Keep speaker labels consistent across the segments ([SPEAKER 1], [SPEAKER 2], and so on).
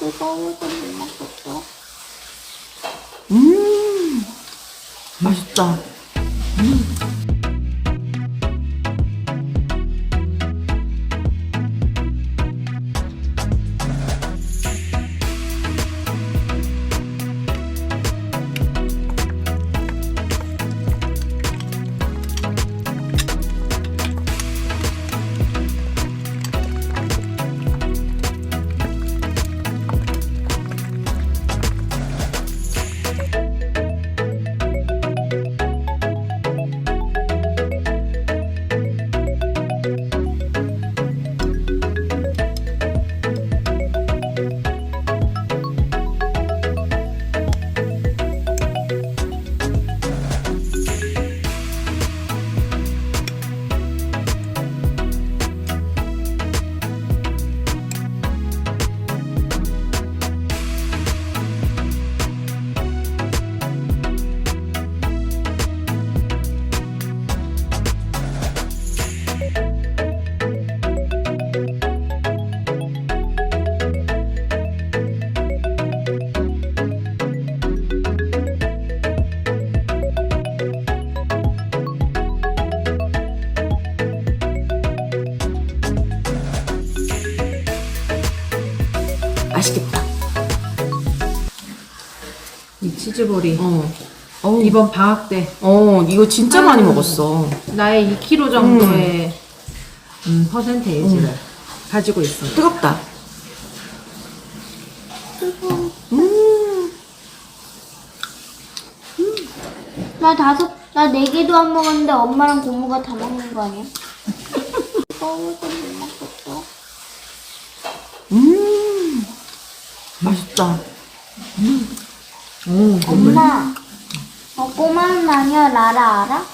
[SPEAKER 1] 뜨거워서 못 먹겠어.
[SPEAKER 2] 맛있다. 맛있겠다.
[SPEAKER 3] 이 치즈볼이
[SPEAKER 2] 어우,
[SPEAKER 3] 이번 방학 때
[SPEAKER 2] 이거 진짜 많이 먹었어.
[SPEAKER 3] 나의 2kg 정도의 퍼센테이지를 가지고 있습니다.
[SPEAKER 2] 뜨겁다.
[SPEAKER 1] 나 4개도 안 먹었는데 엄마랑 고모가 다 먹는 거 아니야? 뜨거워서 못 먹겠어.
[SPEAKER 2] 맛있다.
[SPEAKER 1] 엄마, 꼬마는 아니야, 라라 알아?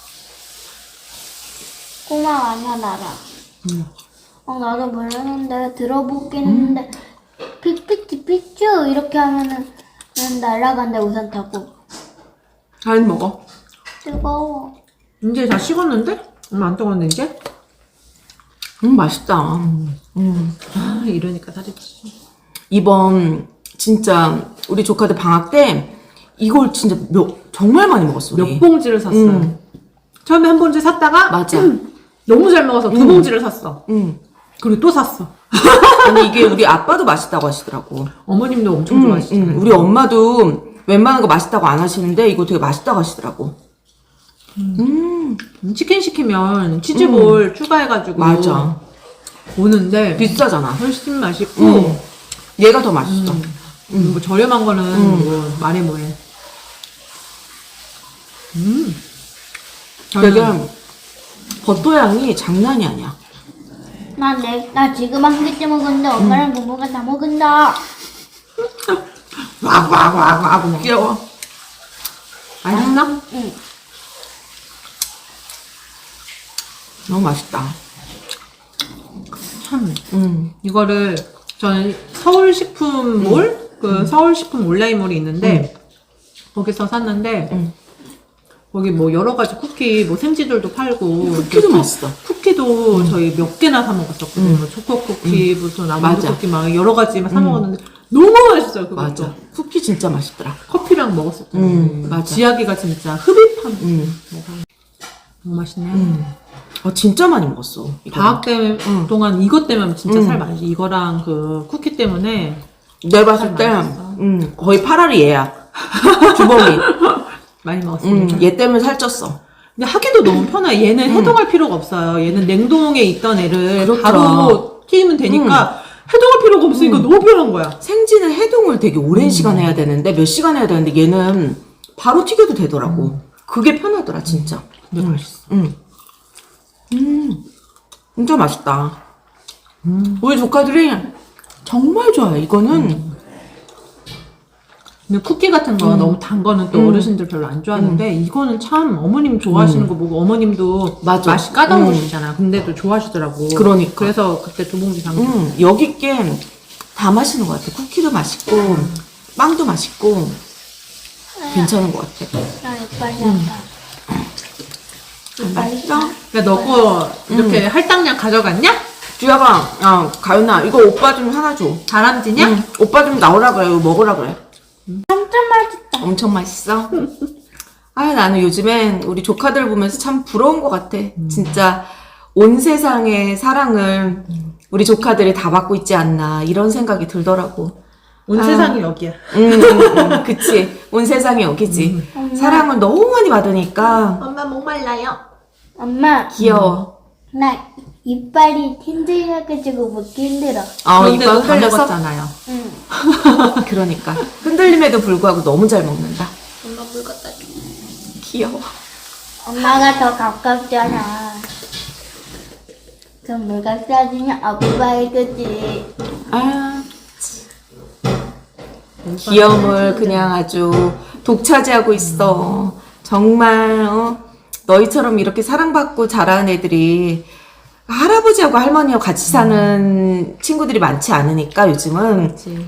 [SPEAKER 1] 꼬마 아니야, 라라. 나도 모르는데 들어보긴 했는데 피쭈 이렇게 하면은 날아간대 우산 타고.
[SPEAKER 2] 잘 먹어.
[SPEAKER 1] 뜨거워.
[SPEAKER 3] 이제 다 식었는데? 얼마 안 뜨거웠는데 이제?
[SPEAKER 2] 맛있다.
[SPEAKER 3] 아, 이러니까 살이 찌.
[SPEAKER 2] 이번 진짜 우리 조카들 방학 때 이걸 진짜 정말 많이 먹었어. 우리.
[SPEAKER 3] 몇 봉지를 샀어요. 처음에 한 봉지 샀다가
[SPEAKER 2] 맞아.
[SPEAKER 3] 너무 잘 먹어서 2봉지를 샀어. 그리고 또 샀어.
[SPEAKER 2] 아니 이게 우리 아빠도 맛있다고 하시더라고.
[SPEAKER 3] 어머님도 엄청 좋아하시잖아요.
[SPEAKER 2] 우리 엄마도 웬만한 거 맛있다고 안 하시는데 이거 되게 맛있다고 하시더라고.
[SPEAKER 3] 치킨 시키면 치즈볼 추가해가지고
[SPEAKER 2] 맞아.
[SPEAKER 3] 오는데
[SPEAKER 2] 비싸잖아.
[SPEAKER 3] 훨씬 맛있고
[SPEAKER 2] 얘가 더 맛있어.
[SPEAKER 3] 뭐 저렴한 거는 뭐 말해 뭐해.
[SPEAKER 2] 되게 버터 향이 장난이 아니야.
[SPEAKER 1] 나 지금 한 개째 먹었는데 엄마랑 고모가 다 먹은다.
[SPEAKER 3] 와와와와
[SPEAKER 2] 귀여워.
[SPEAKER 3] 맛있나?
[SPEAKER 1] 응.
[SPEAKER 2] 너무 맛있다.
[SPEAKER 3] 참
[SPEAKER 2] 이거를
[SPEAKER 3] 저는 서울식품몰 그 서울식품 온라인몰이 있는데 거기서 샀는데 거기 뭐 여러 가지 쿠키 뭐 생지들도 팔고
[SPEAKER 2] 쿠키도 맛있어.
[SPEAKER 3] 쿠키도 저희 몇 개나 사 먹었었거든요. 뭐 초코 쿠키부터 나무도
[SPEAKER 2] 맞아.
[SPEAKER 3] 쿠키 막 여러 가지 막 사 먹었는데 너무 맛있어요. 그것도.
[SPEAKER 2] 맞아. 쿠키 진짜 맛있더라.
[SPEAKER 3] 커피랑 먹었었잖아요.
[SPEAKER 2] 맞아.
[SPEAKER 3] 지아기가 진짜 흡입한 너무 맛있네.
[SPEAKER 2] 진짜 많이 먹었어. 이거.
[SPEAKER 3] 방학 때 동안 이것 때문에 진짜 살 많이 찌. 이거랑 그 쿠키 때문에
[SPEAKER 2] 내가 봤을 때 거의 8알이 얘야. 주범이.
[SPEAKER 3] 많이 먹었습니다.
[SPEAKER 2] 얘 때문에 살쪘어.
[SPEAKER 3] 근데 하기도 너무 편해. 얘는 해동할 필요가 없어요. 얘는 냉동에 있던 애를
[SPEAKER 2] 그렇죠.
[SPEAKER 3] 바로 튀기면 되니까 해동할 필요가 없으니까 너무 편한 거야.
[SPEAKER 2] 생지는 해동을 되게 오랜 시간 해야 되는데 몇 시간 해야 되는데 얘는 바로 튀겨도 되더라고. 그게 편하더라 진짜.
[SPEAKER 3] 근데 맛있어.
[SPEAKER 2] 진짜 맛있다. 우리 조카들이 정말 좋아해. 이거는
[SPEAKER 3] 근데 쿠키 같은 거 너무 단 거는 또 어르신들 별로 안 좋아하는데 이거는 참 어머님 좋아하시는 거 보고 어머님도
[SPEAKER 2] 맞아.
[SPEAKER 3] 맛이 까다로우시잖아. 근데도 좋아하시더라고.
[SPEAKER 2] 그러니까.
[SPEAKER 3] 그래서 그때 2봉지 산 거.
[SPEAKER 2] 여기 게 다 맛있는 것 같아. 쿠키도 맛있고 빵도 맛있고 괜찮은 것 같아.
[SPEAKER 1] 나 이빨이 아파.
[SPEAKER 2] 맛있어?
[SPEAKER 3] 그러니까 너 거 이렇게 할당량 가져갔냐?
[SPEAKER 2] 주야가, 가윤아, 이거 오빠 좀 하나 줘.
[SPEAKER 3] 다람쥐냐?
[SPEAKER 2] 응, 오빠 좀 나오라 그래. 이거 먹으라 그래.
[SPEAKER 1] 진짜 맛있다.
[SPEAKER 2] 엄청 맛있어. 나는 요즘엔 우리 조카들 보면서 참 부러운 것 같아. 진짜 온 세상의 사랑을 우리 조카들이 다 받고 있지 않나 이런 생각이 들더라고.
[SPEAKER 3] 온 세상이 여기야.
[SPEAKER 2] 그치. 온 세상이 여기지. 사랑을 너무 많이 받으니까
[SPEAKER 3] 엄마 목말라요.
[SPEAKER 1] 엄마,
[SPEAKER 2] 귀여워.
[SPEAKER 1] 나 이빨이 힘들어가지고 먹기 힘들어.
[SPEAKER 3] 그런데도
[SPEAKER 2] 이빨
[SPEAKER 3] 다
[SPEAKER 2] 흘려서?
[SPEAKER 3] 먹었잖아요.
[SPEAKER 1] 응.
[SPEAKER 2] 그러니까 흔들림에도 불구하고 너무 잘 먹는다.
[SPEAKER 3] 엄마 물 갖다 줘.
[SPEAKER 2] 귀여워.
[SPEAKER 1] 엄마가 더 가깝잖아. 그럼 내가 싸주면 아빠가 그지.
[SPEAKER 2] 귀여움을 그냥 아주 독차지하고 있어. 정말 너희처럼 이렇게 사랑받고 자라는 애들이 할아버지하고 할머니하고 같이 사는 친구들이 많지 않으니까 요즘은
[SPEAKER 3] 그치.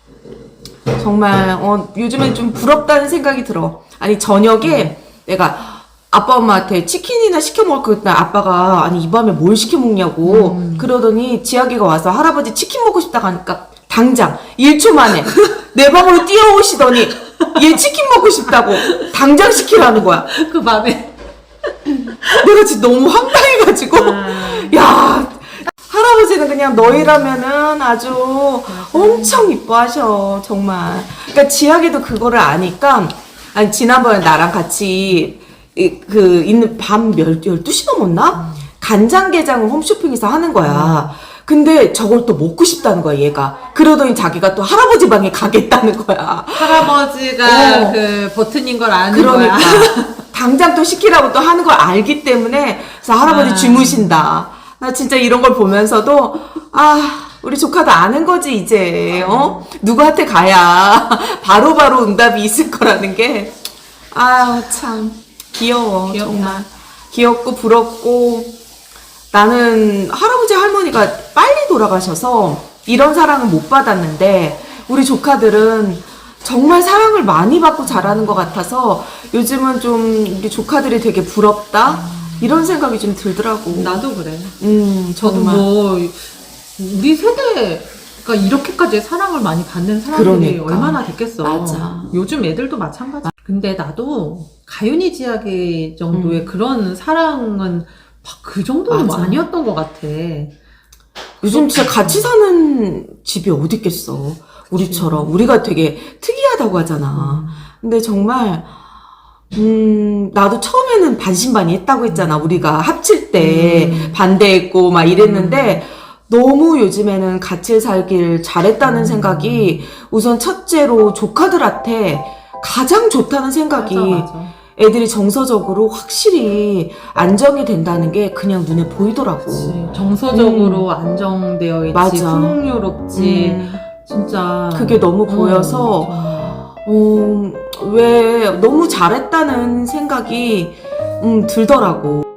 [SPEAKER 2] 정말 요즘엔 좀 부럽다는 생각이 들어. 아니 저녁에 내가 아빠 엄마한테 치킨이나 시켜 먹을 거 있다. 아빠가 아니 이 밤에 뭘 시켜 먹냐고 그러더니 지아기가 와서 할아버지 치킨 먹고 싶다고 하니까 당장 1초 만에 내 방으로 뛰어오시더니 얘 치킨 먹고 싶다고 당장 시키라는 거야.
[SPEAKER 3] 그 밤에.
[SPEAKER 2] 내가 진짜 너무 황당해가지고 야 할아버지는 그냥 너희라면은 아주 엄청 이뻐하셔 정말. 그러니까 지아기도 그거를 아니까 아니 지난번에 나랑 같이 있는 밤 12시 넘었나? 간장게장을 홈쇼핑에서 하는 거야. 근데 저걸 또 먹고 싶다는 거야 얘가. 그러더니 자기가 또 할아버지 방에 가겠다는 거야.
[SPEAKER 3] 할아버지가 그 버튼인 걸 아는
[SPEAKER 2] 그러니까
[SPEAKER 3] 거야.
[SPEAKER 2] 당장 또 시키라고 또 하는 걸 알기 때문에 그래서 할아버지 주무신다. 나 진짜 이런 걸 보면서도 우리 조카도 아는 거지 이제 누구한테 가야 바로바로 응답이 있을 거라는 게 참 귀여워.
[SPEAKER 3] 귀엽다.
[SPEAKER 2] 정말 귀엽고 부럽고. 나는 할아버지 할머니가 빨리 돌아가셔서 이런 사랑을 못 받았는데 우리 조카들은 정말 사랑을 많이 받고 자라는 것 같아서 요즘은 좀 우리 조카들이 되게 부럽다 이런 생각이 좀 들더라고.
[SPEAKER 3] 나도 그래. 저도
[SPEAKER 2] 정말.
[SPEAKER 3] 뭐 우리 세대가 이렇게까지 사랑을 많이 받는 사람들이
[SPEAKER 2] 그러니까.
[SPEAKER 3] 얼마나 됐겠어.
[SPEAKER 2] 맞아.
[SPEAKER 3] 요즘 애들도 마찬가지. 근데 나도 가윤이 지아기 정도의 그런 사랑은 막 그 정도는
[SPEAKER 2] 맞아.
[SPEAKER 3] 아니었던 것 같아.
[SPEAKER 2] 요즘 진짜 같이 사는 집이 어디 있겠어. 우리처럼. 우리가 되게 특이하다고 하잖아. 근데 정말 나도 처음에는 반신반의했다고 했잖아. 우리가 합칠 때 반대했고 막 이랬는데 너무 요즘에는 같이 살길 잘했다는 생각이 우선 첫째로 조카들한테 가장 좋다는 생각이
[SPEAKER 3] 맞아.
[SPEAKER 2] 애들이 정서적으로 확실히 안정이 된다는 게 그냥 눈에 보이더라고.
[SPEAKER 3] 그치. 정서적으로 안정되어 있지.
[SPEAKER 2] 맞아.
[SPEAKER 3] 풍요롭지. 진짜.
[SPEAKER 2] 그게 너무 보여서
[SPEAKER 3] 정말.
[SPEAKER 2] 왜 너무 잘했다는 생각이 들더라고.